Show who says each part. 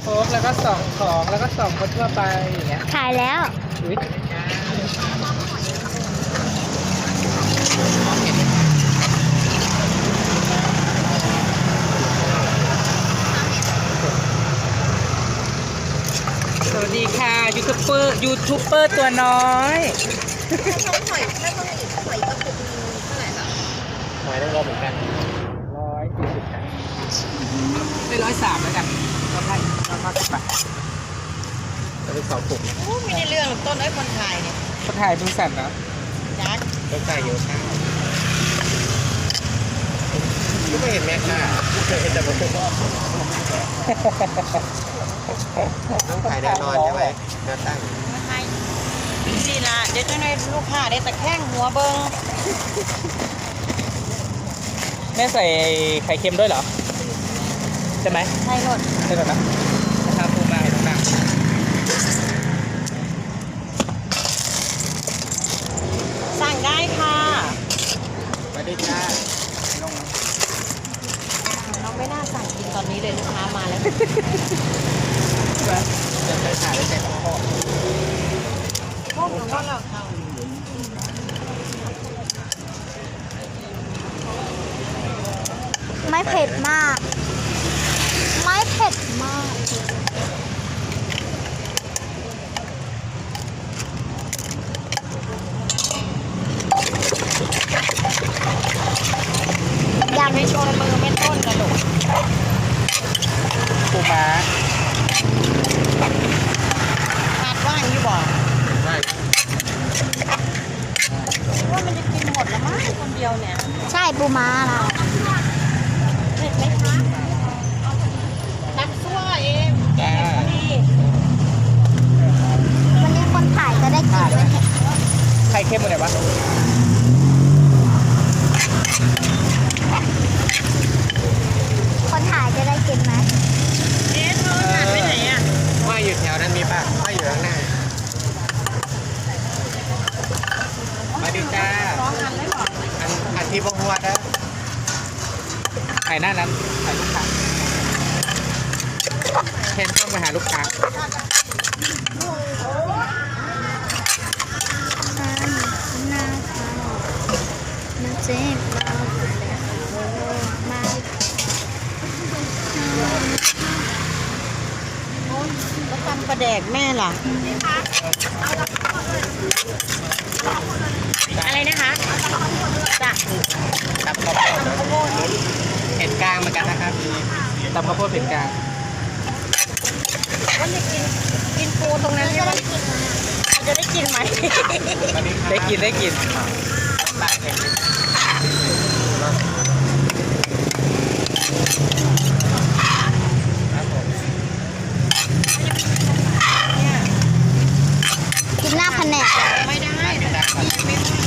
Speaker 1: ค้กแล้วก็ส่องของแล้วก็ส่องคนทั่วไปอย่างเงี้ย
Speaker 2: ถ่ายแล้ว
Speaker 1: อุ๊ยสวัสดีค่ะยูทูบเบอร์ตัวน้อย
Speaker 3: หอยไม่ต้องอีกหอยกระปุกนึงเท่าไหร่คะ
Speaker 1: หอยนางรมเหมือนกัน140ค่ะได้103แล้วกันก็ให้150 บาทจะเป็น2 ถุง
Speaker 3: โอ้ไม่ได้เรื่องต้นไอ้คนถ่ายเนี่ย
Speaker 1: คนถ่ายมือสั่นนะ
Speaker 3: จัก
Speaker 1: ต้องจ่ายเยอะค่ะ
Speaker 4: ก็ไม่เห็นแม่ค่ะเคยเห็นแต่ผมต้องขายแน่นอนใช่ไหมแนวตั้ง
Speaker 3: มาให้สิละเดี๋ยวจะให้ลูกค้าได้ตะแคงหัวเบิ้ง
Speaker 1: แม่ใส่ไข่เค็มด้วยเหรอ ใช่ไหม
Speaker 3: ใช่รถ
Speaker 1: ใช่ก่อนนะนะครับปูมาให้ต่าง
Speaker 3: สั่งได้ค่ะ
Speaker 4: สวัสดีจ้า
Speaker 3: เราไม่น่าสั่งกินตอนนี้เลยลูกค้ามาแล้ว
Speaker 4: จะไปขายได้แต่ของพ่อ
Speaker 3: พวกหนูว่าเราท
Speaker 2: ไม่เผ็ดมาก ไม่เผ็ดมาก
Speaker 3: ำยำไม่ชนมือไม่ต้นกระดูก
Speaker 1: ๆปูม้า
Speaker 3: ขาดว่างอยู่บ่
Speaker 4: ใช่
Speaker 3: ว่ามันจะกินหมดแล้วมั้งคนเดียวเนี่ย
Speaker 2: ใช่ปูม้าเรา
Speaker 3: เผ็ดไหมคะน้ำซั่วเอง
Speaker 1: จ้า
Speaker 3: ดี
Speaker 2: วันนี้คนถ่ายจะได้กินไหม
Speaker 1: ไข่เค็มหมดไหนวะ
Speaker 2: คนถ่ายจะได้กินไหม
Speaker 3: เอ๊ะเธอหายไปไหนอ่ะ
Speaker 4: ว่าอยู่แถวนั้นมีป่ะว่าอยู่ข้างหน้า
Speaker 1: มาดิจ้า
Speaker 3: ร้องหันเลยเหรอ
Speaker 4: อันที่พวกหัวนะ
Speaker 1: ไข่หน้านั้นไข่ลูกค้าเคนต้องไปหาลูกค้า
Speaker 2: น่าทานน่าเจ็บเรามา
Speaker 3: แล้วตำปลาแดกแม่ล่ะ อะไรนะคะจ้ะ
Speaker 1: ตับข้าวโพดเผ็ดกลางเหมือนกันนะครับตับข้าวโพดเผ็ดกลาง
Speaker 3: ว่าจะกินปูตรงนั้นใช่ไหมเราจะได้กินไหม
Speaker 1: ได้กินได้กิน
Speaker 4: ปากเห็น
Speaker 3: เนี่ย
Speaker 2: กินหน้าแผนก
Speaker 3: ไม่ได้ไม่ได้